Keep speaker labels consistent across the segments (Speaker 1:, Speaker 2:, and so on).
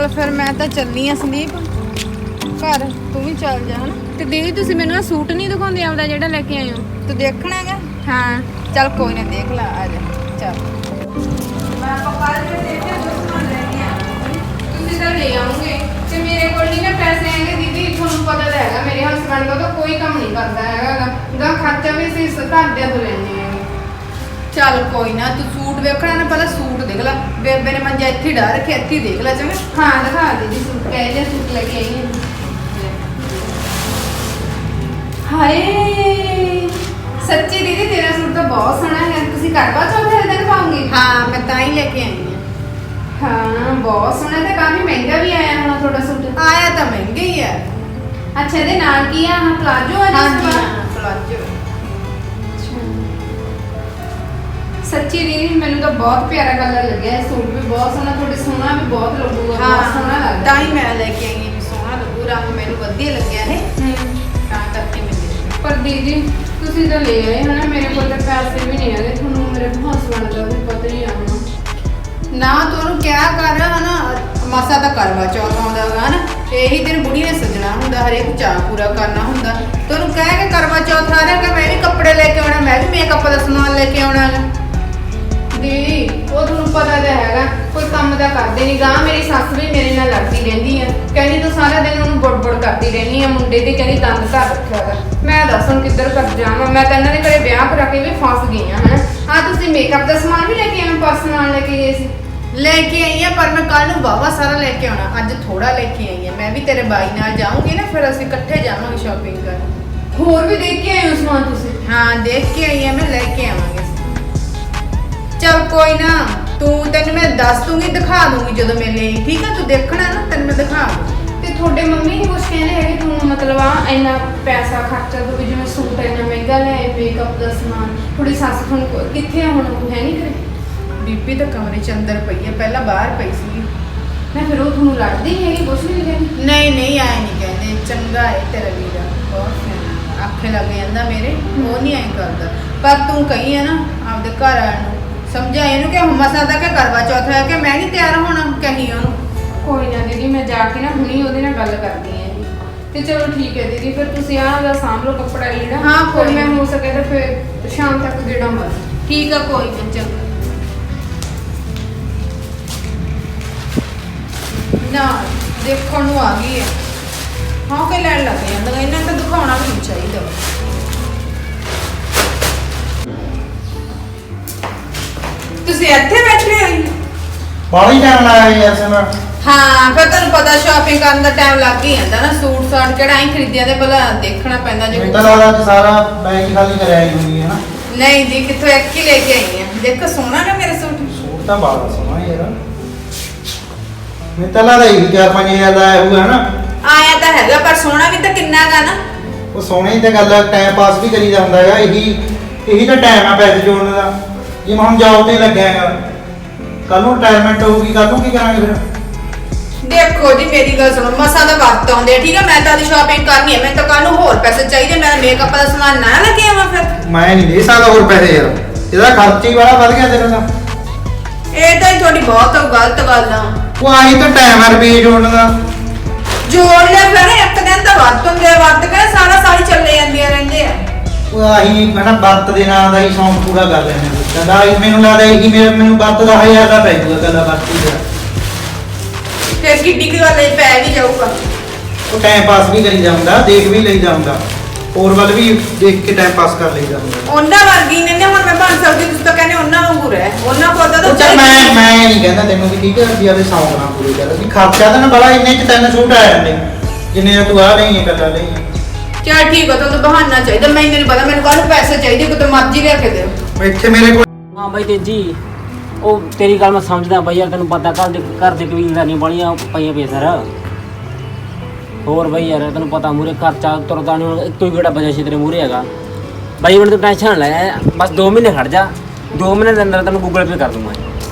Speaker 1: ਚੱਲ ਫਿਰ ਮੈਂ ਤਾਂ ਚੱਲਨੀ ਆ ਸੰਦੀਪ ਘਰ, ਤੂੰ ਵੀ ਚੱਲ ਜਾ ਹਨਾ।
Speaker 2: ਤੇ ਦੀਦੀ ਤੁਸੀਂ ਮੈਨੂੰ ਸੂਟ ਨਹੀਂ ਦਿਖਾਉਂਦੇ ਆਪਦਾ ਜਿਹੜਾ ਲੈ ਕੇ ਆਏ ਹੋ?
Speaker 1: ਤੂੰ ਦੇਖਣਾ ਹੈਗਾ?
Speaker 2: ਹਾਂ
Speaker 1: ਚੱਲ ਕੋਈ ਨਾ ਦੇਖ ਲੈ, ਆ ਜਾ ਚੱਲ। ਮੈਂ ਪਕਾਲ ਕੇ ਦੇਖਿਆ ਦੋਸਤਾਂ ਲੈ ਕੇ ਆਵਾਂਗੀ।
Speaker 2: ਤੁਸੀਂ ਤਾਂ ਲੈ ਆਉਂਗੇ ਤੇ ਮੇਰੇ ਕੋਲ ਨਹੀਂ ਨਾ ਪੈਸੇ ਹੈਗੇ ਦੀਦੀ, ਤੁਹਾਨੂੰ ਪਤਾ ਤਾਂ ਹੈਗਾ ਮੇਰੇ ਹਸਬੰਡ ਦਾ ਤਾਂ ਕੋਈ ਕੰਮ ਨਹੀਂ ਕਰਦਾ ਹੈਗਾ ਗਾ ਖਰਚਾ ਵੀ ਅਸੀਂ ਘਰਦਿਆਂ ਤੋਂ ਲੈਂਦੇ ਆ।
Speaker 1: ਚੱਲ ਕੋਈ ਨਾ, ਤੂੰ ਸੂਟ ਵੇਖਣਾ ਨਾ, ਪਹਿਲਾਂ ਸੂਟ ਦੇਖ ਲੈ। ਬੇਬੇ ਨੇ ਮੰਜਾ ਇੱਥੇ ਡਾ ਰੱਖਿਆ, ਇੱਥੇ ਹੀ ਦੇਖ ਲੈ ਚੰਗਾ।
Speaker 2: ਹਾਂ ਦਿਖਾ ਦੀਦੀ ਸੂਟ, ਕਹਿ ਲਿਆ ਸੂਟ ਲੈ ਕੇ ਆਈ ਹਾਂ। ਹਾਏ ਸੱਚੀ ਦੀਦੀ ਤੇਰਾ ਸੂਟ ਤਾਂ ਬਹੁਤ ਸੋਹਣਾ ਹੈ, ਤੁਸੀਂ ਕਰਵਾ ਚੌਥ ਦੇ ਦਿਨ ਪਾਉਂਗੇ?
Speaker 1: ਹਾਂ ਮੈਂ ਤਾਂ ਹੀ ਲੈ ਕੇ ਆਈ ਆ।
Speaker 2: ਹਾਂ ਬਹੁਤ ਸੋਹਣਾ ਤੇ ਕਾਫੀ ਮਹਿੰਗਾ ਵੀ ਆਇਆ ਹੋਣਾ ਤੁਹਾਡਾ ਸੂਟ।
Speaker 1: ਆਇਆ ਤਾਂ ਮਹਿੰਗਾ ਹੀ ਹੈ।
Speaker 2: ਅੱਛਾ ਇਹਦੇ ਨਾਲ ਕੀ ਆ? ਪਲਾਜੋ ਆ
Speaker 1: ਹਾਂਜੀ
Speaker 2: ਜਿਸ
Speaker 1: ਹਾਂ ਪਲਾਜੋ।
Speaker 2: ਸੱਚੀ ਦੀਦੀ ਮੈਨੂੰ ਤਾਂ ਬਹੁਤ ਪਿਆਰਾ ਕਲਰ ਲੱਗਿਆ, ਸੂਟ ਵੀ ਬਹੁਤ ਸੋਹਣਾ, ਤੁਹਾਡੇ ਸੋਹਣਾ ਵੀ ਬਹੁਤ ਲੱਗੂਗਾ, ਬਹੁਤ ਸੋਹਣਾ ਲੱਗਦਾ।
Speaker 1: ਤਾਂ ਹੀ ਮੈਂ ਲੈ ਕੇ ਆਈ ਆ ਵੀ ਸੋਹਣਾ ਲੱਗੂ, ਰੰਗ ਮੈਨੂੰ ਵਧੀਆ ਲੱਗਿਆ ਹੈ ਤਾਂ ਕਰਕੇ ਮੈਂ ਲੈ ਲਈ।
Speaker 2: ਪਰ ਦੀਦੀ ਤੁਸੀਂ ਤਾਂ ਲੈ ਆਏ ਹਨਾ, ਮੇਰੇ ਕੋਲ ਤਾਂ ਪੈਸੇ ਵੀ ਨਹੀਂ ਹੈਗੇ, ਤੁਹਾਨੂੰ ਮੇਰੇ ਹਸਬੰਡ ਦਾ ਵੀ ਪਤਾ ਹੀ ਆ ਹੁਣ।
Speaker 1: ਨਾ ਤੂੰ ਉਹਨੂੰ ਕਿਹਾ ਕਰ ਹਨਾ, ਮਸਾ ਤਾਂ ਕਰਵਾ ਚੌਥ ਆਉਂਦਾ ਹੈਗਾ ਹਨਾ, ਇਹੀ ਦਿਨ ਬੁੜੀ ਨੇ ਸਜਣਾ ਹੁੰਦਾ, ਹਰੇਕ ਚਾਅ ਪੂਰਾ ਕਰਨਾ ਹੁੰਦਾ। ਤੈਨੂੰ ਕਹਿ ਕੇ ਕਰਵਾ ਚੌਥ ਆ ਰਿਹਾ ਕਿ ਮੈਂ ਵੀ ਕੱਪੜੇ ਲੈ ਕੇ ਆਉਣਾ, ਮੈਂ ਵੀ ਮੇਕਅਪ ਦਾ ਸਮਾਨ ਲੈ ਕੇ ਆਉਣਾ ਗਾ।
Speaker 2: ਦੀਦੀ ਉਹ ਤੁਹਾਨੂੰ ਪਤਾ ਤਾਂ ਹੈਗਾ ਕੋਈ ਕੰਮ ਤਾਂ ਕਰਦੇ ਨਹੀਂ ਗਾ, ਮੇਰੀ ਸੱਸ ਵੀ ਮੇਰੇ ਨਾਲ ਲੜਦੀ ਰਹਿੰਦੀ ਆ, ਕਹਿੰਦੀ ਤੂੰ ਸਾਰਾ ਦਿਨ ਉਹਨੂੰ ਬੁੜ ਕਰਦੀ ਰਹਿੰਦੀ ਆ ਮੁੰਡੇ ਤੇ, ਕਹਿੰਦੀ ਦੰਦ ਧਰ ਰੱਖਿਆ ਗਾ। ਮੈਂ ਦੱਸ ਹੁਣ ਕਿੱਧਰ ਕਰ ਜਾਵਾਂ, ਮੈਂ ਤਾਂ ਇਹਨਾਂ ਦੇ ਘਰੇ ਵਿਆਹ ਕਰਾ ਕੇ ਵੀ ਫਸ ਗਈ ਆ ਹਨਾ। ਆ ਤੁਸੀਂ ਮੇਕਅਪ ਦਾ ਸਮਾਨ ਵੀ ਲੈ ਕੇ ਆਏ, ਪਰਸ ਨਾਲ ਲੈ ਕੇ ਗਏ ਸੀ?
Speaker 1: ਲੈ ਕੇ ਆਈ ਆ, ਪਰ ਮੈਂ ਕੱਲ ਨੂੰ ਵਾਹਵਾ ਸਾਰਾ ਲੈ ਕੇ ਆਉਣਾ, ਅੱਜ ਥੋੜਾ ਲੈ ਕੇ ਆਈ ਆ। ਮੈਂ ਵੀ ਤੇਰੇ ਬਾਈ ਨਾਲ ਜਾਊਂਗੀ ਨਾ, ਫਿਰ ਅਸੀਂ ਇਕੱਠੇ ਜਾਵਾਂਗੇ ਸ਼ਾਪਿੰਗ ਕਰਨ।
Speaker 2: ਹੋਰ ਵੀ ਦੇਖ ਕੇ ਆਏ ਹੋ ਸਮਾਨ ਤੁਸੀਂ?
Speaker 1: ਹਾਂ ਦੇਖ ਕੇ ਆਈ ਆ, ਮੈਂ ਲੈ ਕੇ ਆਵਾਂਗੇ। ਚੱਲ ਕੋਈ ਨਾ, ਤੂੰ ਤੈਨੂੰ ਮੈਂ ਦੱਸ ਦੂੰਗੀ, ਦਿਖਾ ਦੂੰਗੀ ਜਦੋਂ ਮੈਂ ਲਈ, ਠੀਕ ਆ? ਤੂੰ ਦੇਖਣਾ ਨਾ, ਤੈਨੂੰ ਮੈਂ ਦਿਖਾ ਦੂੰ।
Speaker 2: ਤੇ ਤੁਹਾਡੇ ਮੰਮੀ ਨਹੀਂ ਕੁਛ ਕਹਿੰਦੇ ਹੈਗੇ ਤੁਹਾਨੂੰ, ਮਤਲਬ ਆ ਇੰਨਾ ਪੈਸਾ ਖਰਚਾ ਦੋ, ਜਿਵੇਂ ਸੂਟ ਇੰਨਾ ਮਹਿੰਗਾ ਲੈ, ਮੇਕਅਪ ਦਾ ਸਮਾਨ, ਥੋੜੀ ਸੱਸ ਤੁਹਾਨੂੰ ਕਿੱਥੇ ਆ ਹੁਣ, ਹੈ ਨਹੀਂ ਕਰੇ?
Speaker 1: ਬੀਬੀ ਤਾਂ ਕਮਰੇ ਚ ਅੰਦਰ ਪਈ ਹੈ, ਪਹਿਲਾਂ ਬਾਹਰ ਪਈ ਸੀ।
Speaker 2: ਮੈਂ ਫਿਰ ਉਹ ਤੁਹਾਨੂੰ ਲੜਦੀ ਹੈਗੀ, ਕੁਛ ਨਹੀਂ ਕਹਿੰਦੀ?
Speaker 1: ਨਹੀਂ ਨਹੀਂ ਆਏ ਨਹੀਂ ਕਹਿੰਦੇ, ਚੰਗਾ ਹੈ ਤੇਰਾ ਵੀਰਾ, ਬਹੁਤ ਸਿਆਣਾ, ਆਖੇ ਲੱਗ ਜਾਂਦਾ ਮੇਰੇ, ਉਹ ਨਹੀਂ ਐਂ ਕਰਦਾ। ਪਰ ਤੂੰ ਕਹੀ ਹੈ ਨਾ ਆਪਦੇ ਘਰ ਆਣ ਨੂੰ, ਸਮਝਾ ਇਹਨੂੰ ਕਿ ਮਸਾ ਦਾ ਕਿ ਕਰਵਾ ਚੌਥ ਹੈ, ਕਿ ਮੈਂ ਨਹੀਂ ਤਿਆਰ ਹੋਣਾ, ਕਹੀ ਉਹਨੂੰ।
Speaker 2: ਕੋਈ ਨਾ ਦੀਦੀ ਮੈਂ ਜਾ ਕੇ ਨਾ ਹੁਣੀ ਉਹਦੇ ਨਾਲ ਗੱਲ ਕਰਦੀ ਹਾਂ ਜੀ। ਤੇ ਚਲੋ ਠੀਕ ਹੈ ਦੀਦੀ, ਫਿਰ ਤੁਸੀਂ ਆਹ ਦਾ ਸਾਂਭ ਲਓ ਕੱਪੜਾ ਲੀੜਾ।
Speaker 1: ਹਾਂ, ਕੋਈ
Speaker 2: ਮੈਂ ਹੋ ਸਕੇ ਤਾਂ ਫਿਰ ਸ਼ਾਮ ਤੱਕ ਗੇੜਾ ਮਾਰ।
Speaker 1: ਠੀਕ ਆ ਕੋਈ ਨਾ, ਚੰਗਾ ਨਾ ਦੇਖਣ ਨੂੰ ਆ ਗਈ ਹੈ। ਹਾਂ ਕਿ ਲੈਣ ਲੱਗ ਜਾਂਦਾ, ਇਹਨਾਂ ਨੂੰ ਤਾਂ ਦਿਖਾਉਣਾ ਵੀ ਨਹੀਂ ਚਾਹੀਦਾ। ਤੁਸੀਂ ਇੱਥੇ ਬੈਠੇ ਹੋ?
Speaker 3: ਬਾਹਲੀ ਟਾਈਮ ਲਾਇਆ ਯਾਰ ਸਮਾਂ।
Speaker 1: ਹਾਂ ਫਿਰ ਤੁਹਾਨੂੰ ਪਤਾ ਸ਼ਾਪਿੰਗ ਕਰਨ ਦਾ ਟਾਈਮ ਲੱਗ ਹੀ ਜਾਂਦਾ ਨਾ, ਸੂਟ ਸਾਟ ਕਿਹੜਾ ਹੀ ਖਰੀਦਿਆ ਤੇ ਪਹਿਲਾਂ ਦੇਖਣਾ ਪੈਂਦਾ ਜੇ।
Speaker 3: ਮੈਨੂੰ ਤਾਂ ਲੱਗਦਾ ਕਿ ਸਾਰਾ ਬੈਗ ਹੀ ਖਾਲੀ ਕਰਿਆ ਹੀ ਹੋਈ ਹੈ ਨਾ।
Speaker 1: ਨਹੀਂ ਜੀ, ਕਿੱਥੋਂ ਇੱਕ ਹੀ ਲੈ ਕੇ ਆਈ ਆ। ਦੇਖੋ ਸੋਹਣਾ ਨਾ ਮੇਰਾ ਸੂਟ।
Speaker 3: ਸੂਟ ਤਾਂ ਬਾਹਲਾ ਸੋਹਣਾ ਯਾਰ। ਮੈਨੂੰ ਤਾਂ ਲੱਗਦਾ ਇਹ 4-5 ਹਜ਼ਾਰ ਦਾ ਆਇਆ ਹੋਊਗਾ ਹਨਾ।
Speaker 1: ਆਇਆ ਤਾਂ ਹੈਗਾ, ਪਰ ਸੋਹਣਾ ਵੀ ਤਾਂ ਕਿੰਨਾ ਗਾ ਨਾ।
Speaker 3: ਉਹ ਸੋਹਣੇ ਦੀ ਤਾਂ ਗੱਲ, ਟਾਈਮ ਪਾਸ ਵੀ ਕਰੀਦਾ ਹੁੰਦਾ ਹੈਗਾ, ਇਹੀ ਤਾਂ ਟਾਈਮ ਆ ਪੈਸੇ ਜੋੜਨ ਦਾ। ਜੇ ਮੈਂ ਹੁਣ ਜੌਬ ਤੇ ਲੱਗਿਆ ਹੈਗਾ, ਕੱਲ ਨੂੰ ਰਿਟਾਇਰਮੈਂਟ ਹੋਊਗੀ, ਕੱਲ ਨੂੰ ਕੀ ਕਰਾਂਗੇ ਫਿਰ?
Speaker 1: ਦੇਖੋ ਜੀ ਮੇਰੀ ਗੱਲ ਸੁਣੋ, ਮਸਾ ਦਾ ਵਕਤ ਆਉਂਦੇ ਠੀਕ ਆ, ਮੈਂ ਤਾਂ ਦੀ ਸ਼ਾਪਿੰਗ ਕਰਨੀ ਹੈ, ਮੈਨੂੰ ਤਾਂ ਕੱਲ ਨੂੰ ਹੋਰ ਪੈਸੇ ਚਾਹੀਦੇ, ਮੈਂ ਮੇਕਅਪ ਦਾ ਸਮਾਨ ਨਾ ਲੈ ਕੇ ਆਵਾਂ ਫਿਰ।
Speaker 3: ਮੈਂ ਨਹੀਂ ਦੇ ਸਕਦਾ ਹੋਰ ਪੈਸੇ ਯਾਰ, ਇਹਦਾ ਖਰਚ ਹੀ ਬੜਾ ਵੱਧ ਗਿਆ ਤੇਰਾ ਤਾਂ।
Speaker 1: ਇਹ ਤਾਂ ਤੁਹਾਡੀ ਬਹੁਤ ਗਲਤ ਗੱਲ ਆ।
Speaker 3: ਉਹ ਆਹੀ ਤਾਂ ਟਾਈਮ ਆ ਰੁਪਏ ਜੋੜਨ ਦਾ।
Speaker 1: ਜੋੜ ਲੈ ਫਿਰ, ਇੱਕ ਦਿਨ ਤਾਂ ਵਰਤ ਹੁੰਦੇ ਆ, ਵਰਤ ਕੇ ਸਾਰਾ ਸਾਲ ਹੀ ਚੱਲੇ ਜਾਂਦੀਆਂ ਰਹਿੰਦੇ ਆ।
Speaker 3: ਉਹ ਆਹੀ ਹਨਾ ਵਰਤ ਦੇ ਨਾਂ ਦਾ ਹੀ ਸ਼ੌਂਕ ਪੂਰਾ ਕਰ ਲੈਣੇ ਕਹਿੰਦਾ ਮੈਨੂੰ ਲੱਗਦਾ ਇਹੀ ਮੈਨੂੰ ਵਰਤ ਦਾ 1000 ਦਾ ਪੈ ਜਾਊਗਾ ਕਹਿੰਦਾ ਵਰਤੀ ਦਾ।
Speaker 1: ਫਿਰ ਕਿੱਡੀ ਕੁ ਗੱਲ ਪੈ ਵੀ ਜਾਊਗਾ।
Speaker 3: ਉਹ ਟਾਈਮ ਪਾਸ ਵੀ ਕਰੀ ਜਾਂਦਾ, ਦੇਖ ਵੀ ਲਈ ਜਾਂਦਾ, ਹੋਰ ਵੱਲ ਵੀ ਦੇਖ ਕੇ ਟਾਈਮ ਪਾਸ ਕਰ ਲਈ ਜਾਂਦਾ।
Speaker 1: ਉਹਨਾਂ ਵਰਗੀ ਨੇ ਹੁਣ ਮੈਂ ਬਣ ਸਕਦੀ, ਤੁਸੀਂ ਤਾਂ ਕਹਿੰਦੇ ਉਹਨਾਂ ਵਾਂਗੂ ਰਹਿ, ਉਹਨਾਂ ਕੋਲ ਤਾਂ
Speaker 3: ਚੱਲ ਮੈਂ ਨਹੀਂ ਕਹਿੰਦਾ ਤੈਨੂੰ ਵੀ ਠੀਕ ਹੈ ਵੀ ਆਦੇ ਸ਼ੌਂਕ ਨਾਲ ਪੂਰੇ ਕਰ, ਅਸੀਂ ਖਰਚਾ ਤਾਂ ਨਾ ਬੜਾ, ਇੰਨੇ ਚ 3 ਸੂਟ ਆ ਜਾਂਦੇ ਜਿੰਨੇ ਤੂੰ ਆ ਨਹੀਂ ਹੈ ਗੱਲਾਂ ਨਹੀਂ।
Speaker 1: ਚਲ ਠੀਕ ਆ, ਤੁਹਾਨੂੰ ਬਹਾਨਾ ਚਾਹੀਦਾ, ਮੈਨੂੰ ਨਹੀਂ ਪਤਾ, ਮੈਨੂੰ ਕੱਲ ਪੈਸੇ ਚਾਹੀਦੇ, ਕਿਤੇ ਮਰਜ਼ੀ ਲਿਆ ਕੇ ਦਿਓ।
Speaker 3: ਇੱਥੇ ਮੇਰੇ ਕੋਲ
Speaker 4: ਹਾਂ ਬਾਈ ਤੇਜੀ, ਉਹ ਤੇਰੀ ਗੱਲ ਮੈਂ ਸਮਝਦਾ ਬਾਈ ਯਾਰ, ਤੈਨੂੰ ਪਤਾ ਘਰ ਦੇ ਕਬੀਲਦਾਰੀਆਂ ਬੜੀਆਂ ਪਈਆਂ ਪਈਆਂ ਸਰ। ਹੋਰ ਬਾਈ ਯਾਰ ਤੈਨੂੰ ਪਤਾ ਮੂਰੇ ਖਰਚਾ ਤੁਰਦਾ ਨਹੀਂ, ਹੁਣ ਇੱਕੋ ਹੀ ਗੇੜਾ ਬਜਾ ਸੀ ਤੇਰੇ ਮੂਰੇ ਹੈਗਾ ਬਾਈ। ਹੁਣ ਤੂੰ ਟੈਨਸ਼ਨ ਨਾ ਲੈ, ਬਸ 2 ਮਹੀਨੇ ਖੜ ਜਾ, 2 ਮਹੀਨੇ ਦੇ ਅੰਦਰ ਤੈਨੂੰ ਗੂਗਲ ਪੇ ਕਰ ਦੂੰਗਾ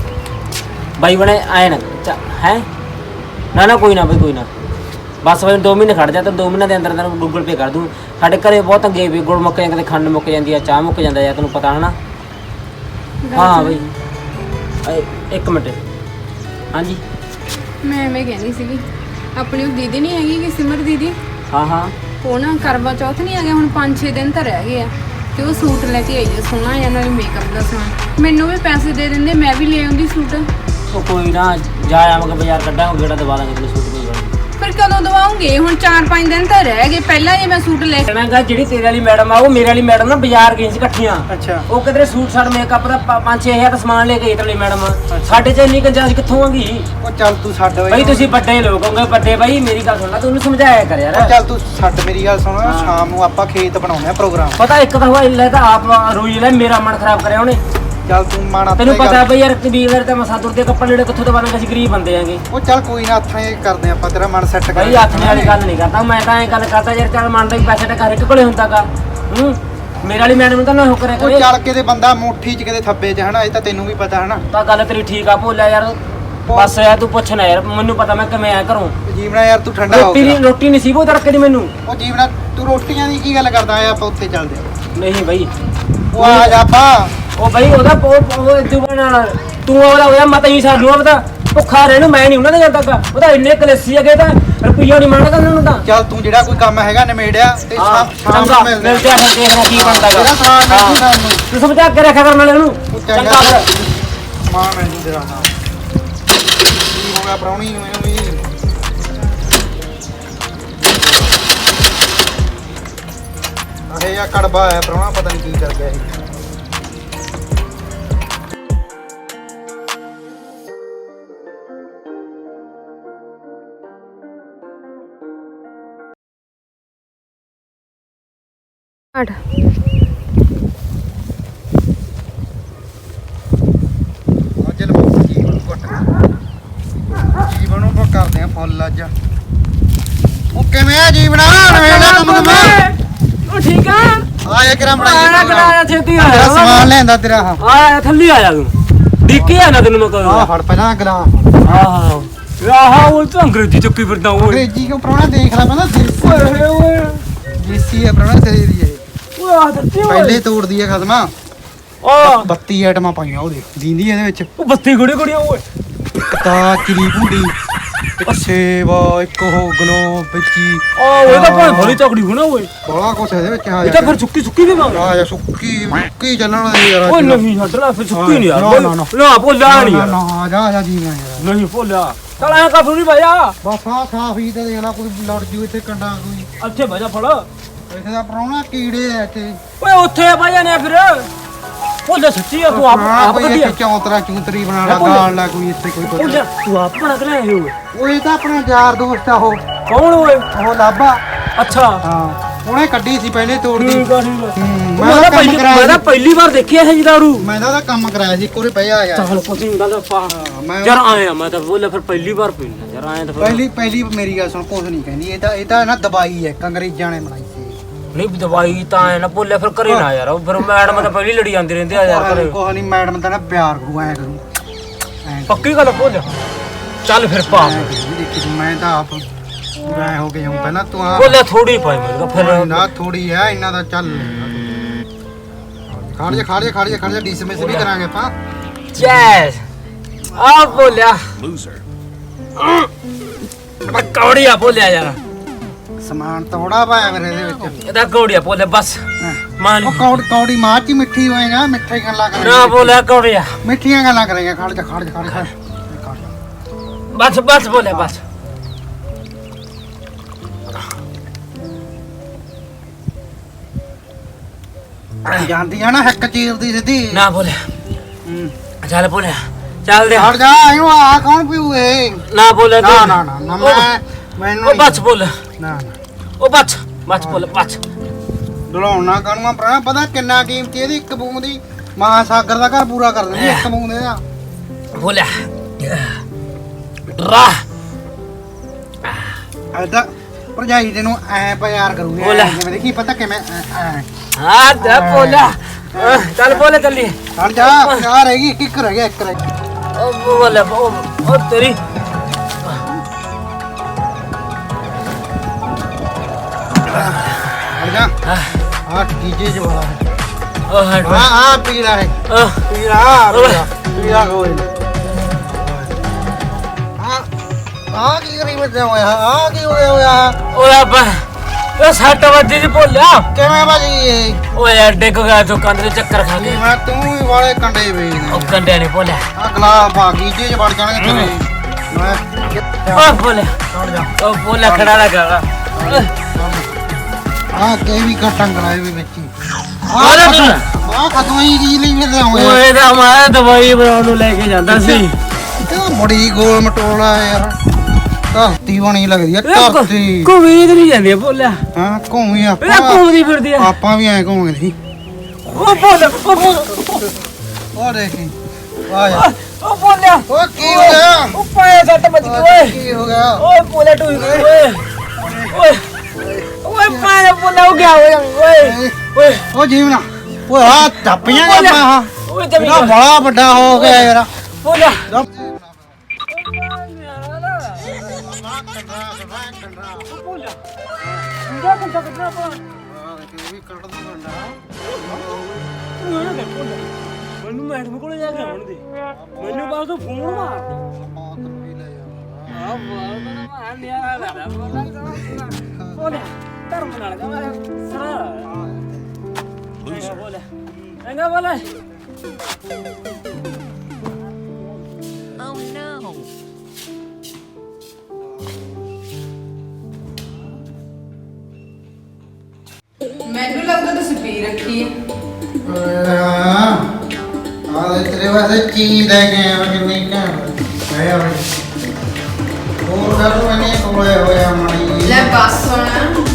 Speaker 4: ਬਾਈ ਬਣੇ ਆਏ ਨਾ ਹੈ। ਨਾ ਕੋਈ ਨਾ ਬਾਈ, ਕੋਈ ਨਾ, ਬਸ ਬਾਈ 2 ਮਹੀਨੇ ਖੜ ਜਾ, ਤਾਂ 2 ਮਹੀਨੇ ਦੇ ਅੰਦਰ ਤੈਨੂੰ ਗੂਗਲ ਪੇ ਕਰ ਦੂੰ। ਸਾਡੇ ਘਰੇ ਬਹੁਤ ਅੱਗੇ ਵੀ ਗੁੜ ਮੁੱਕ ਜਾਂਦੇ, ਖੰਡ ਮੁੱਕ ਜਾਂਦੀ ਆ, ਚਾਹ ਮੁੱਕ ਜਾਂਦਾ ਯਾਰ, ਤੈਨੂੰ ਪਤਾ ਹੈ ਨਾ। ਹਾਂ ਬਾਈ 1 ਮਿੰਟ, ਹਾਂਜੀ
Speaker 2: ਮੈਂ ਐਵੇਂ ਕਹਿੰਦੀ ਸੀਗੀ ਆਪਣੀ ਉਹ ਦੀਦੀ ਨਹੀਂ ਹੈਗੀ ਕਿ ਸਿਮਰ ਦੀਦੀ,
Speaker 4: ਹਾਂ ਹਾਂ
Speaker 2: ਉਹ ਨਾ ਕਰਵਾ ਚੌਥ ਨਹੀਂ ਆ ਗਿਆ ਹੁਣ 5-6 ਦਿਨ ਤਾਂ ਰਹਿ ਗਏ ਆ ਤੇ ਉਹ ਸੂਟ ਲੈ ਕੇ ਆਈ ਆ ਸੋਹਣਾ ਜਿਹਾ ਨਾਲ ਮੇਕਅਪ ਦਾ ਸਮਾਨ। ਮੈਨੂੰ ਵੀ ਪੈਸੇ ਦੇ ਦਿੰਦੇ ਮੈਂ ਵੀ ਲੈ ਆਉਂਦੀ ਸੂਟ।
Speaker 4: ਉਹ ਕੋਈ ਨਾ ਜਾ ਆਵਾਂਗੇ ਬਾਜ਼ਾਰ ਕੱਢਾਂਗੇ ਗੇੜਾ ਦਵਾ ਦਾਂਗੇ ਤੈਨੂੰ ਸੂਟ ਕੋਈ ਗੱਲ ਨੀ।
Speaker 2: ਫਿਰ ਕਦੋਂ ਦਵਾਉਂਗੇ? ਹੁਣ 4-5 ਦਿਨ ਤਾਂ ਰਹਿ ਗਏ। ਪਹਿਲਾਂ ਜੇ ਮੈਂ ਸੂਟ ਲੈ
Speaker 4: ਕਹਿਣਾਗਾ ਜਿਹੜੀ ਤੇਰੇ ਵਾਲੀ ਮੈਡਮ ਆ ਉਹ ਮੇਰੇ ਵਾਲੀ ਮੈਡਮ ਨਾ ਬਾਜ਼ਾਰ ਗਈ ਸੀ ਇਕੱਠੀਆਂ।
Speaker 3: ਅੱਛਾ
Speaker 4: ਉਹ ਕਿਧਰੇ ਸੂਟ ਸਾਟ ਮੇਕਅਪ ਦਾ 5-6 ਹਜ਼ਾਰ ਦਾ ਸਮਾਨ ਲੈ ਕੇ ਆਈ ਤੇਰੀ ਮੈਡਮ। ਸਾਡੇ ਚ ਇੰਨੀ ਗੰਜਾਇਸ਼ ਕਿੱਥੋਂ ਆਗੀ?
Speaker 3: ਉਹ ਚੱਲ ਤੂੰ ਛੱਡ ਓਏ
Speaker 4: ਬਈ ਤੁਸੀਂ ਵੱਡੇ ਲੋਕ ਹੋਗੇ ਵੱਡੇ ਬਾਈ ਮੇਰੀ ਗੱਲ ਸੁਣ ਲੈ ਤੂੰ ਉਹਨੂੰ ਸਮਝਾਇਆ ਕਰ ਯਾਰ।
Speaker 3: ਉਹ ਚੱਲ ਤੂੰ ਛੱਡ ਮੇਰੀ ਗੱਲ ਸੁਣ ਸ਼ਾਮ ਨੂੰ ਆਪਾਂ ਖੇਤ ਬਣਾਉਂਦੇ ਆ ਪ੍ਰੋਗਰਾਮ।
Speaker 4: ਪਤਾ ਇੱਕ ਤਾਂ ਹੋਇਆ ਲੈ ਤਾਂ ਆਪ ਰੋਈ ਲੈ ਮੇਰਾ ਮਨ ਖਰਾਬ ਕਰਿਆ ਉਹਨੇ।
Speaker 3: ਚੱਲ ਤੂੰ ਮਾਣਾ
Speaker 4: ਤੈਨੂੰ ਪਤਾ ਬਈ ਯਾਰ ਕਬੀਰ ਤੇ ਮਸਾ ਦੁਰ ਦੇ ਕੱਪੜੇ ਜਿਹੜੇ ਕਿੱਥੋਂ ਦਵਾਵਾਂਗੇ ਅਸੀਂ ਗਰੀਬ ਬੰਦੇ ਆਂਗੇ।
Speaker 3: ਉਹ ਚੱਲ ਕੋਈ ਨਾ ਹੱਥਾਂ ਇਹ ਕਰਦੇ ਆਪਾਂ ਤੇਰਾ ਮਨ ਸੈੱਟ ਕਰ।
Speaker 4: ਬਈ ਹੱਥ ਵਾਲੀ ਗੱਲ ਨਹੀਂ ਕਰਦਾ ਮੈਂ ਤਾਂ ਐਂ ਗੱਲ ਕਰਦਾ ਯਾਰ ਚੱਲ ਮੰਨਦਾ ਵੀ ਪੈਸੇ ਤਾਂ ਘਰ ਇੱਕ ਕੋਲੇ ਹੁੰਦਾਗਾ। ਮੇਰੇ ਵਾਲੀ ਮੈਡਮ ਨੂੰ ਤਾਂ ਨਾ ਹੋ ਕਰਿਆ
Speaker 3: ਉਹ
Speaker 4: ਕਰੇ।
Speaker 3: ਚੱਲ ਕਿਤੇ ਬੰਦਾ ਮੁੱਠੀ ਚ ਕਿਤੇ ਥੱਬੇ ਚ ਹਨਾ ਇਹ ਤਾਂ ਤੈਨੂੰ ਵੀ ਪਤਾ ਹਨਾ।
Speaker 4: ਤਾਂ ਗੱਲ ਤੇਰੀ ਠੀਕ ਆ ਭੋਲਿਆ ਯਾਰ ਬਸ ਯਾਰ ਤੂੰ ਪੁੱਛਣਾ ਯਾਰ ਮੈਨੂੰ ਪਤਾ ਮੈਂ ਕਿਵੇਂ ਆਇਆ ਘਰੋਂ।
Speaker 3: ਜੀਵਨਾ ਯਾਰ ਤੂੰ ਠੰਡਾ ਹੋ
Speaker 4: ਰੋਟੀ ਨਸੀਬ ਹੋ ਤੜਕੇ ਦੀ ਮੈਨੂੰ।
Speaker 3: ਉਹ ਜੀਵਨਾ ਤੂੰ ਰੋਟੀਆਂ ਦੀ ਕੀ ਗੱਲ ਕਰਦਾ ਆ ਆਪਾਂ ਉੱਥੇ ਚੱਲਦੇ ਆ।
Speaker 4: ਨਹੀਂ ਬਈ
Speaker 3: ਉਹ ਆ ਜਾ ਆਪਾਂ
Speaker 4: ਉਹ ਬਈ ਉਹਦਾ ਉਹ ਦੁਬਣ ਨਾਲ ਤੂੰ ਉਹਦਾ ਹੋਇਆ ਮਤ ਹੀ ਸਾਨੂੰ ਪਤਾ ਭੁੱਖਾ ਰਹਿਣ ਨੂੰ ਮੈਂ ਨਹੀਂ ਉਹਨਾਂ ਦੇ ਜਾਂਦਾਗਾ। ਉਹਦਾ ਇੰਨੇ ਕਲੇਸੀ ਹੈਗੇ ਤਾਂ ਰੁਪਈਆ ਨਹੀਂ ਮੰਗਦਾ ਉਹਨਾਂ ਨੂੰ ਤਾਂ।
Speaker 3: ਚੱਲ ਤੂੰ ਜਿਹੜਾ ਕੋਈ ਕੰਮ ਹੈਗਾ ਨਿਮੇੜਿਆ ਤੇ ਸ਼ਾਮ ਨੂੰ ਮਿਲਦੇ
Speaker 4: ਮਿਲਦੇ ਆ ਫਿਰ ਦੇਖਣਾ ਕੀ ਬਣਦਾ
Speaker 3: ਜਿਹੜਾ
Speaker 4: ਹੈਗਾ।
Speaker 3: ਸਮਾਨ ਮਿਲਦੀ ਸਾਨੂੰ
Speaker 4: ਤੂੰ ਸਮਝਾ ਕੇ ਰੱਖਿਆ ਕਰਨ ਵਾਲੇ ਉਹਨੂੰ।
Speaker 3: ਉਹ
Speaker 4: ਚੰਗਾ
Speaker 3: ਚੰਗਾ
Speaker 4: ਫਿਰ।
Speaker 3: ਮਾਂ ਮੈਨੂੰ ਤੇਰਾ ਨਾਮ ਕੀ ਹੋ ਗਿਆ ਪ੍ਰਾਹੁਣੀ ਨੂੰ ਇਹਨੂੰ ਵੀ ਅਰੇ ਯਾ ਕੜਬਾ ਹੈ ਪ੍ਰਾਹੁਣਾ ਪਤਾ ਨਹੀਂ ਕੀ ਕਰ ਗਿਆ ਇਹ।
Speaker 2: ਅੱਠ
Speaker 3: ਅੱਜ ਲਵਾਉਂ ਜੀਵਨ ਘੁੱਟ ਜੀਵਨ ਨੂੰ ਆਪਾਂ ਕਰਦੇ ਆ ਫੁੱਲ ਅੱਜ। ਉਹ ਕਿਵੇਂ ਆ ਜੀਵਨਾ ਨਵੇਲਾ ਕੰਮ ਦਮਾ
Speaker 4: ਉਹ ਠੀਕ ਆ
Speaker 3: ਆਇਆ ਕਿਰਾ
Speaker 4: ਆਇਆ ਕਰਾਇਆ ਛੇਤੀ
Speaker 3: ਤੇਰਾ ਸਮਾਨ
Speaker 4: ਆਇਆ
Speaker 3: ਲੈਂਦਾ ਤੇਰਾ
Speaker 4: ਆਇਆ ਥੱਲੇ ਆਇਆ ਤੂੰ ਡਿੱਕੀ ਆ ਨਾ ਤੈਨੂੰ ਮੈਂ
Speaker 3: ਆ
Speaker 4: ਕਹਾਂ।
Speaker 3: ਫੜ ਪਹਿਲਾਂ ਗਲਾ
Speaker 4: ਆਹ ਆਹ ਉਹ ਤਾਂ ਅੰਗਰੇਜ਼ੀ ਚੱਕੀ ਫਿਰਦਾ ਓਏ।
Speaker 3: ਅੰਗਰੇਜ਼ੀ ਕਿਉਂ ਪ੍ਰਾਹੁਣਾ ਦੇਖ ਲੈ ਪਹਿਲਾਂ
Speaker 4: ਓਏ ਓਏ
Speaker 3: ਦੇਸੀ ਹੈ ਪ੍ਰਾਹੁਣਾ ਤੇਰੀ ਦੀ ਇਹ
Speaker 4: ਓਏ ਆ ਦਿੱਤੀ ਓਏ।
Speaker 3: ਪਹਿਲੇ ਤੋੜਦੀ ਹੈ ਖਸਮਾ।
Speaker 4: ਆ
Speaker 3: 32 ਆਈਟਮਾਂ ਪਾਈਆਂ ਉਹਦੇ ਦੀਂਦੀ ਇਹਦੇ ਵਿੱਚ
Speaker 4: ਉਹ ਬੱਤੀ ਗੁੜੀ ਗੁੜੀ ਓਏ।
Speaker 3: ਕਤਾ ਚਿਰੀ ਭੁੰਡੀ ਇੱਕ ਸੇਵਾ ਇੱਕ ਉਹ ਗਲੋ ਵਿੱਚੀ
Speaker 4: ਆ ਉਹ ਤਾਂ ਭਾਵੇਂ ਬੜੀ ਤਕੜੀ ਹੋਣਾ ਓਏ।
Speaker 3: ਬੜਾ ਕੁਛ ਇਹਦੇ ਵਿੱਚ ਆ
Speaker 4: ਇਹ ਤਾਂ ਫਿਰ ਸੁੱਕੀ ਸੁੱਕੀ ਵੀ ਮੰਗ।
Speaker 3: ਆ ਜਾ ਸੁੱਕੀ ਚੱਲਣ ਵਾਲੀ ਯਾਰ
Speaker 4: ਓਏ ਨਹੀਂ ਛੱਡ ਲੈ ਫਿਰ ਸੁੱਕੀ ਨਹੀਂ ਯਾਰ।
Speaker 3: ਨਾ, ਨਾ, ਨਾ।
Speaker 4: ਨਾ ਭੁੱਲਿਆ ਨਹੀਂ ਯਾਰ।
Speaker 3: ਨਾ ਜਾ ਜੀ ਮੈਂ ਯਾਰ
Speaker 4: ਨਹੀਂ ਭੁੱਲਿਆ ਚਲ ਐਂ ਕਰ ਨਹੀਂ ਭਾਈਆ
Speaker 3: ਬਸ ਆ ਸਾਫ ਹੀ ਤੇ ਦੇਖ ਲਾ ਕੋਈ ਲੜ ਜੂ ਇੱਥੇ ਕੰਡਾ ਕੋਈ
Speaker 4: ਅੱਛੇ ਭਾਜਾ ਫੜ
Speaker 3: ਇੱਥੇ ਦਾ ਪ੍ਰਾਹੁਣਾ ਕੀੜੇ ਆ ਇੱਥੇ
Speaker 4: ਓਏ ਉੱਥੇ ਭਾਈਆ ਨੇ ਫਿਰ ਭੁੱਲਿਆ ਸੱਚੀ ਆ ਤੂੰ ਆਪ
Speaker 3: ਕੋਈ
Speaker 4: ਕੱਢਿਆ।
Speaker 3: ਇੱਥੇ ਚੌਂਤਰਾ ਚੂੰਤਰੀ ਬਣਾ ਲਾ
Speaker 4: ਭੁੱਲ।
Speaker 3: ਗਾਲ ਲਾ ਕੋਈ ਇੱਥੇ ਕੋਈ
Speaker 4: ਭੁੱਲਿਆ ਤੂੰ ਆਪ ਬਣਾ ਕੇ ਲਿਆਇਆ ਓਏ।
Speaker 3: ਉਹ ਇਹ ਤਾਂ ਆਪਣਾ ਯਾਰ ਦੋਸਤ ਆ ਉਹ
Speaker 4: ਕੌਣ ਓਏ?
Speaker 3: ਲਾਭਾ
Speaker 4: ਅੱਛਾ
Speaker 3: ਹਾਂ ਉਹਨੇ ਕੱਢੀ ਸੀ ਪਹਿਲੇ ਤੋੜਦੀ
Speaker 4: ਠੀਕ ਆ ਠੀਕ ਆ।
Speaker 3: ਮੈਂ ਤਾਂ ਕੰਮ ਕਰਾਇਆ
Speaker 4: ਮੈਂ ਤਾਂ ਪਹਿਲੀ ਵਾਰ ਦੇਖਿਆ ਇਹ ਜੀ ਦਾਰੂ।
Speaker 3: ਮੈਂ ਤਾਂ ਉਹਦਾ ਕੰਮ ਕਰਾਇਆ ਸੀ ਕੋਰੇ ਪਿਆ ਯਾਰ
Speaker 4: ਚੱਲ ਕੁਝ ਨਹੀਂ ਗੱਲ ਪਾ
Speaker 3: ਮੈਂ
Speaker 4: ਯਾਰ ਆਇਆ ਮੈਂ ਤਾਂ ਬੋਲਿਆ ਫਿਰ ਪਹਿਲੀ ਵਾਰ ਪੀਣਾ ਯਾਰ ਆਇਆ ਤਾਂ ਫਿਰ
Speaker 3: ਪਹਿਲੀ ਮੇਰੀ ਗੱਲ ਸੁਣ ਕੁਛ ਨਹੀਂ ਕਹਿੰਦੀ ਇਹ ਤਾਂ ਨਾ ਦਵਾਈ ਹੈ ਅੰਗਰੇਜ਼ਾਂ ਨੇ ਬਣਾਈ ਸੀ
Speaker 4: ਨਹੀਂ ਦਵਾਈ ਤਾਂ ਐ ਨਾ ਬੋਲਿਆ ਫਿਰ ਕਰੇ ਨਾ ਯਾਰ ਫਿਰ ਮੈਡਮ ਤਾਂ ਪਹਿਲੀ ਲੜੀ ਜਾਂਦੀ ਰਹਿੰਦੀ ਆ ਯਾਰ ਘਰੇ।
Speaker 3: ਕੋਹ ਨਹੀਂ ਮੈਡਮ ਤਾਂ ਨਾ ਪਿਆਰ ਕਰੂ ਐ ਕਰੂ ਐਂ
Speaker 4: ਪੱਕੀ ਗੱਲ ਬੋਲਿਆ ਚੱਲ ਫਿਰ ਪਾ
Speaker 3: ਐਂ ਕਰੂ, ਦੇਖੀ ਤੂੰ, ਮੈਂ ਤਾਂ ਆਪ ਮੈਂ ਹੋ ਗਿਆ ਹੂੰ ਪਹਿਲਾਂ ਤੂੰ ਆ
Speaker 4: ਬੋਲਿਆ ਥੋੜੀ ਪਾਈ ਮੇਰੇ ਫਿਰ
Speaker 3: ਨਾ ਥੋੜੀ ਐ ਇਹਨਾਂ ਦਾ ਚੱਲ ਖੜ ਜਾ ਡੀਸਮਿਸ ਵੀ ਕਰਾਂਗੇ ਆਪਾਂ
Speaker 4: ਜੈਸ ਆ ਬੋਲਿਆ ਮੈਂ ਕੌੜੀਆ ਬੋਲਿਆ ਯਾਰ
Speaker 3: ਸਮਾਨ ਥੋੜਾ ਪਾਇਆ ਮੇਰੇ ਇਹਦੇ ਵਿੱਚ
Speaker 4: ਇਹਦਾ ਕੌੜੀਆ ਬੋਲਿਆ ਬਸ ਮਾਨ
Speaker 3: ਉਹ ਕੌੜੀ ਮਾਂ ਚ ਹੀ ਮਿੱਠੀ ਹੋਏਗਾ ਮਿੱਠੀ ਗੱਲਾਂ
Speaker 4: ਨਾ
Speaker 3: ਕਰਾਂਗੇ
Speaker 4: ਬੋਲਿਆ ਕੌੜੀਆ
Speaker 3: ਮਿੱਠੀਆਂ ਗੱਲਾਂ ਕਰਾਂਗੇ ਖੜ ਜਾ
Speaker 4: ਬਸ ਬੋਲਿਆ ਬਸ
Speaker 3: ਜਾਂਦੀ ਆ ਨਾ ਹੱਕ ਚੀਰਦੀ ਸਿੱਧੀ
Speaker 4: ਨਾ ਬੋਲਿਆ
Speaker 3: ਹੂੰ।
Speaker 4: ਚੱਲ ਬੋਲਿਆ ਚੱਲ ਦੇ
Speaker 3: ਖੜ ਜਾ ਇਹਨੂੰ ਆ ਕੌਣ ਪੀਊਏ
Speaker 4: ਨਾ ਬੋਲਿਆ
Speaker 3: ਨਾ ਮੈਨੂੰ
Speaker 4: ਉਹ ਬਸ ਬੋਲ
Speaker 3: ਨਾ
Speaker 4: ਉਹ ਬਸ ਬੋਲ ਬਸ
Speaker 3: ਡਲਾਉਣਾ ਕਾਨੂੰਨਾ ਪ੍ਰਾਣਾ ਪਤਾ ਕਿੰਨਾ ਕੀਮਤੀ ਇਹਦੀ ਇੱਕ ਬੂੰਦ ਦੀ ਮਹਾਸਾਗਰ ਦਾ ਘਰ ਪੂਰਾ ਕਰ ਦਿੰਦੀ ਇੱਕ ਬੂੰਦ ਇਹਦਾ
Speaker 4: ਬੋਲਿਆ ਰਾ
Speaker 3: ਐਦਾਂ ਭਰਜਾਈ ਤੈਨੂੰ ਐ ਪਿਆਰ ਕਰੂਗੀ
Speaker 4: ਬੋਲਾ।
Speaker 3: ਜਿਵੇਂ ਦੇਖੀ ਪਤਾ ਕਿਵੇਂ
Speaker 4: ਹਾਂ ਤੇ ਬੋਲਿਆ ਚੱਲ ਬੋਲੇ ਚੱਲੀ
Speaker 3: ਖੜ ਜਾ ਆ ਰਹੇਗੀ ਇੱਕ ਰਹਿ ਗਿਆ ਇੱਕ ਰਹਿ ਗਿਆ
Speaker 4: ਉਹ ਬੋਲੇ ਉਹ ਤੇਰੀ
Speaker 3: ਖੜ ਜਾ ਆ ਕੀਜੇ ਜੋ ਵਾਲਾ ਹੈ
Speaker 4: ਉਹ ਹਟ
Speaker 3: ਆ ਪੀਲਾ ਹੈ ਪੀਲਾ ਕੋਈ ਆ ਆ ਕੀ ਕਰੀ ਬੱਚੇ ਹੋਇਆ ਆ ਕੀ ਹੋਇਆ
Speaker 4: ਓਏ ਆਪਾ ਉਹ 60 ਵਜੇ ਦੀ ਭੁੱਲਿਆ
Speaker 3: ਕਿਵੇਂ ਭਾਜੀ ਇਹ
Speaker 4: ਓਏ ਯਾਰ ਡਿੱਗ ਗਿਆ ਤੂੰ ਕੰਧ ਦੇ ਚੱਕਰ ਖਾ ਕੇ
Speaker 3: ਮੈਂ ਤੂੰ ਵੀ ਵਾਲੇ ਕੰਡੇ ਵੇਚ
Speaker 4: ਉਹ ਕੰਡੇ ਨਹੀਂ ਭੁੱਲਿਆ
Speaker 3: ਆ ਗਲਾ ਬਾਗੀ ਜੇ ਵੜ ਜਾਣਗੇ ਤੇਰੇ ਮੈਂ
Speaker 4: ਓ ਭੁੱਲਿਆ
Speaker 3: ਛੱਡ ਜਾ
Speaker 4: ਉਹ ਭੁੱਲਿਆ ਖੜਾ ਲਗਾ
Speaker 3: ਆ ਕੇ ਵੀ ਕਟੰਗ ਲਾਏ ਵੀ ਵਿੱਚ ਹੀ
Speaker 4: ਓਏ
Speaker 3: ਆ ਖਤਮ ਹੀ ਕੀ ਲਈ ਫਿਰਦੇ ਹੋਏ
Speaker 4: ਓਏ ਦਾ ਮੈਂ ਦਵਾਈ ਬਣਾਉਣ ਨੂੰ ਲੈ ਕੇ ਜਾਂਦਾ ਸੀ
Speaker 3: ਇਹ ਬੜੀ ਗੋਲ ਮਟੋਲਾ ਯਾਰ ਧਰਤੀ ਬਣੀ ਲੱਗਦੀ ਆ ਧਰਤੀ
Speaker 4: ਘੁੰਮੀ ਤੇ ਨਹੀਂ ਜਾਂਦੀ ਭੁੱਲਿਆ
Speaker 3: ਹਾਂ ਘੁੰਮੀ
Speaker 4: ਇਹ
Speaker 3: ਆਪਾਂ
Speaker 4: ਘੁੰਮਦੀ ਫਿਰਦੀ ਆ
Speaker 3: ਆਪਾਂ ਵੀ ਐ ਘੁੰਮਦੇ ਸੀ
Speaker 4: ਉਹ ਭੁੱਲ
Speaker 3: ਉਹ ਦੇਖੀ ਆ ਯਾਰ
Speaker 4: ਉਹ ਭੁੱਲਿਆ
Speaker 3: ਉਹ ਕੀ ਹੋ ਗਿਆ
Speaker 4: ਉਹ ਪਾਏ ਸੱਟ ਵੱਜ ਗਈ ਓਏ
Speaker 3: ਕੀ ਹੋ ਗਿਆ
Speaker 4: ਓਏ ਭੁੱਲਿਆ ਟੁੱਟ ਗਈ ਓਏ ਓਏ ਓਏ ਪਾਏ ਭੁੱਲਿਆ ਹੋ ਗਿਆ ਓਏ ਓਏ
Speaker 3: ਉਹ ਜੀਵਨਾ ਓਏ ਆ ਟੱਪੀਆਂ ਗਿਆ ਆਪਾਂ
Speaker 4: ਓਏ
Speaker 3: ਇਹਦਾ
Speaker 4: ਜਮੀ
Speaker 3: ਬੜਾ ਵੱਡਾ ਹੋ ਗਿਆ ਯਾਰ
Speaker 4: ਭੁੱਲਿਆ ਮੈਨੂੰ ਮੈਡਮ ਕੋਲ ਜਾ ਕੇ ਆਉਣ ਦੇ ਮੈਨੂੰ ਬਾਅਦ ਤੋਂ ਫੋਨ ਮਾਰ ਆ ਬਾਲ ਦਾ ਮਾਰ ਲਿਆ ਲਾ ਬੋਲੇ ਧਰਮ ਨਾਲ ਦਾ ਮਾਰ ਸਰਾ ਬੋਲੇ enggak boleh
Speaker 5: Oh no.
Speaker 1: ਮੈਨੂੰ ਲੱਗਦਾ ਤੁਸੀਂ ਪੀ ਰੱਖੀ ਹੈ
Speaker 3: ਆ ਦੇ ਤੇਰੇ ਵਾਸਤੇ ਚੀਜ਼ ਲੈ ਕੇ ਆਇਆ ਮੈਂ ਕਿੰਨੀ ਘੈਂਟ ਆਇਆ ਬਈ ਹੋਰ ਗੱਲ ਮੈਨੇ ਕੋਲੇ ਹੋਇਆ ਮਾੜੀ
Speaker 1: ਲੈ ਬਸ ਹੁਣ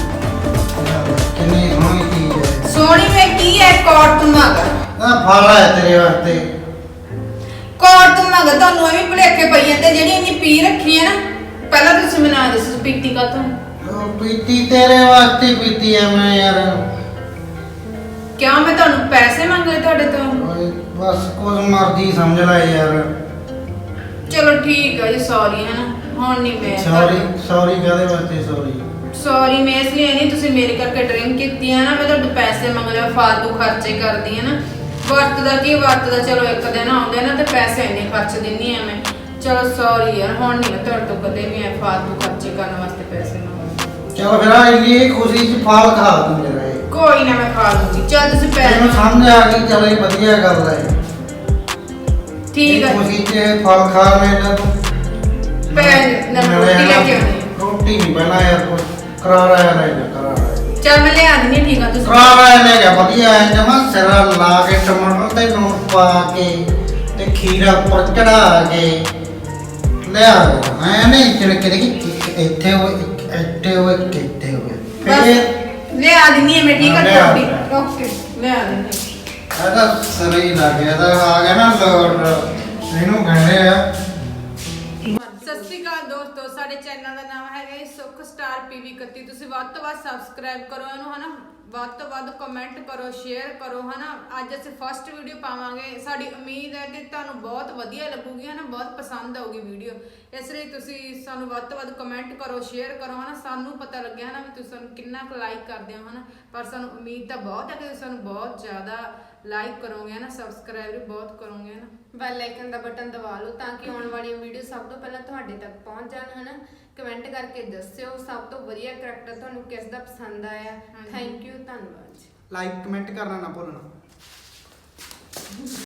Speaker 3: ਕਿੰਨੀ ਸੋਹਣੀ ਚੀਜ਼ ਹੈ
Speaker 1: ਸੋਹਣੀ ਮੈਂ ਕੀ ਹੈ ਕਾਰਟੂਨ ਮਗਾ
Speaker 3: ਆ ਫਲ ਹੈ ਤੇਰੇ ਵਾਸਤੇ
Speaker 1: ਕਾਰਟੂਨ ਮਗਾ ਤੁਹਾਨੂੰ ਐਵੇਂ ਭੁਲੇਖੇ ਪਈ ਜਾਂਦੇ ਜਿਹੜੀ ਇੰਨੀ ਪੀ ਰੱਖੀ ਹੈ ਨਾ ਪਹਿਲਾਂ ਤੁਸੀਂ ਮੈਨੂੰ ਆ ਦੱਸੋ ਪੀਤੀ ਕਾ
Speaker 3: ਉਹ ਪੀਤੀ ਤੇਰੇ ਵਾਸਤੇ ਪੀਤੀ ਐ ਮੈਂ ਯਾਰ
Speaker 1: ਕਿਉਂ ਮੈਂ ਤੁਹਾਨੂੰ ਪੈਸੇ ਮੰਗੇ ਤੁਹਾਡੇ ਤੋਂ
Speaker 3: ਓਏ ਬਸ ਕੁਝ ਮਰਜ਼ੀ ਸਮਝ ਲੈ ਯਾਰ
Speaker 1: ਚਲੋ ਠੀਕ ਹੈ ਜੀ ਸੌਰੀ ਹੈ ਨਾ ਹੁਣ ਨਹੀਂ ਮੈਂ
Speaker 3: ਸੌਰੀ ਕਾਹਦੇ ਵਾਸਤੇ
Speaker 1: ਸੌਰੀ ਮੈਂ ਇਸ ਲਈ ਨਹੀਂ ਤੁਸੀਂ ਮੇਰੇ ਕਰਕੇ ਡਰਿੰਕ ਕੀਤੀ ਹੈ ਨਾ ਮੈਂ ਤੁਹਾਡੇ ਪੈਸੇ ਮੰਗ ਲਿਆ ਫਾਲਤੂ ਖਰਚੇ ਕਰਦੀ ਹੈ ਨਾ ਵਰਤਦਾ ਚਲੋ ਇੱਕ ਦਿਨ ਆਉਂਦੇ ਨਾ ਤੇ ਪੈਸੇ ਇੰਨੇ ਖਰਚ ਦਿੰਨੀ ਆ ਮੈਂ ਚਲੋ ਸੌਰੀ ਯਾਰ ਹੁਣ ਨਹੀਂ ਮੈਂ ਤੁਹਾਡੇ ਤੋਂ ਕਦੇ ਵੀ ਐ ਫਾਲਤੂ ਖਰਚੇ ਕਰਨ ਵਾਸਤੇ ਪੈਸੇ ਮੰਗਦੇ
Speaker 3: ਚਲ ਫਿਰ ਆ ਇੰਨੀ ਖੁਸ਼ੀ ਚ ਫਲ ਖਾ ਦੂੰ ਮੇਰਾ ਇਹ
Speaker 1: ਕੋਈ ਨਾ ਮੈਂ ਖਾ ਲੂੰਗੀ ਚੱਲ ਤੁਸੀਂ
Speaker 3: ਤੈਨੂੰ
Speaker 1: ਪੈਸੇ
Speaker 3: ਸਮਝ ਆ ਗਈ ਚਲ ਇਹ ਵਧੀਆ ਗੱਲ ਹੈ
Speaker 1: ਠੀਕ ਹੈ
Speaker 3: ਖੁਸ਼ੀ ਚ ਫਲ ਖਾ ਲੈਣਾ ਤੂੰ
Speaker 1: ਰੋਟੀ ਲੈ ਕੇ ਆਉਣੀ
Speaker 3: ਰੋਟੀ ਨਹੀਂ ਪਹਿਲਾਂ ਯਾਰ ਕੁਛ ਕਰਾਰਾ ਲੈ ਜਾ ਕਰਾਰਾ
Speaker 1: ਚੱਲ ਮੈਂ ਲਿਆ ਦਿੰਦੀ ਹਾਂ, ਠੀਕ ਆ ਤੁਸੀਂ
Speaker 3: ਕਰਾਰਾ ਲੈ ਜਾ ਵਧੀਆ ਐ ਜਮਾ ਸਿਰਾ ਲਾ ਕੇ ਟਮਾਟਰ ਤੇ ਲੂਣ ਪਾ ਕੇ ਤੇ ਖੀਰਾ ਉੱਪਰ ਚੜਾ ਕੇ ਲਿਆ ਐ ਨਹੀਂ ਚਿੜਕੇ ਦੇ ਇੱਥੇ ਹੋਏ ਕਿੱਥੇ ਹੋਏ
Speaker 1: ਬਸ ਲਿਆ ਦਿੰਦੀ ਹਾਂ ਮੈਂ ਠੀਕ ਆ
Speaker 3: ਲਿਆ।
Speaker 1: ਰੋਟੀ ਓਕੇ ਲਿਆ ਦਿੰਦੀ ਹਾਂ।
Speaker 3: ਇਹਦਾ ਸਿਰ ਹੀ ਲੱਗ ਗਿਆ ਤਾਂ ਆ ਗਿਆ ਨਾ ਲੋਡ ਇਹਨੂੰ ਕਹਿੰਦੇ ਆ
Speaker 1: ਸਤਿ ਸ਼੍ਰੀ ਅਕਾਲ ਦੋਸਤੋ ਸਾਡੇ ਚੈਨਲ ਦਾ ਨਾਮ ਹੈਗਾ ਜੀ ਸੁਖ ਸਟਾਰ ਪੀਵੀ 31 ਤੁਸੀਂ ਵੱਧ ਤੋਂ ਵੱਧ ਸਬਸਕ੍ਰਾਈਬ ਕਰੋ ਇਹਨੂੰ ਹਨਾ ਵੱਧ ਤੋਂ ਵੱਧ ਕਮੈਂਟ ਕਰੋ ਸ਼ੇਅਰ ਕਰੋ ਹਨਾ ਅੱਜ ਅਸੀਂ ਫਸਟ ਵੀਡੀਓ ਪਾਵਾਂਗੇ ਸਾਡੀ ਉਮੀਦ ਹੈ ਕਿ ਤੁਹਾਨੂੰ ਬਹੁਤ ਵਧੀਆ ਲੱਗੂਗੀ ਹਨਾ ਬਹੁਤ ਪਸੰਦ ਆਊਗੀ ਵੀਡੀਓ ਇਸ ਲਈ ਤੁਸੀਂ ਸਾਨੂੰ ਵੱਧ ਤੋਂ ਵੱਧ ਕਮੈਂਟ ਕਰੋ ਸ਼ੇਅਰ ਕਰੋ ਹਨਾ ਸਾਨੂੰ ਪਤਾ ਲੱਗਿਆ ਹਨਾ ਵੀ ਤੁਸੀਂ ਸਾਨੂੰ ਕਿੰਨਾ ਕੁ ਲਾਈਕ ਕਰਦੇ ਹੋ ਹਨਾ ਪਰ ਸਾਨੂੰ ਉਮੀਦ ਤਾਂ ਬਹੁਤ ਹੈ ਕਿ ਤੁਸੀਂ ਸਾਨੂੰ ਬਹੁਤ ਜ਼ਿਆਦਾ ਲਾਈਕ ਕਰੋਗੇ ਹਨਾ ਸਬਸਕ੍ਰਾਈਬ ਵੀ ਬਹੁਤ ਕਰੋਗੇ ਹਨਾ
Speaker 2: ਬੈਲ ਆਈਕਨ ਦਾ ਬਟਨ ਦਬਾ ਲਓ ਤਾਂ ਕਿ ਆਉਣ ਵਾਲੀਆਂ ਵੀਡੀਓ ਸਭ ਤੋਂ ਪਹਿਲਾਂ ਤੁਹਾਡੇ ਤੱਕ ਪਹੁੰਚ ਜਾਣ ਹਨਾ ਕਮੈਂਟ ਕਰਕੇ ਦੱਸਿਓ ਸਭ ਤੋਂ ਵਧੀਆ ਕਰੈਕਟਰ ਤੁਹਾਨੂੰ ਕਿਸ ਦਾ ਪਸੰਦ ਆਇਆ ਥੈਂਕ ਯੂ ਧੰਨਵਾਦ ਜੀ
Speaker 3: ਲਾਈਕ ਕਮੈਂਟ ਕਰਨਾ ਨਾ ਭੁੱਲਣਾ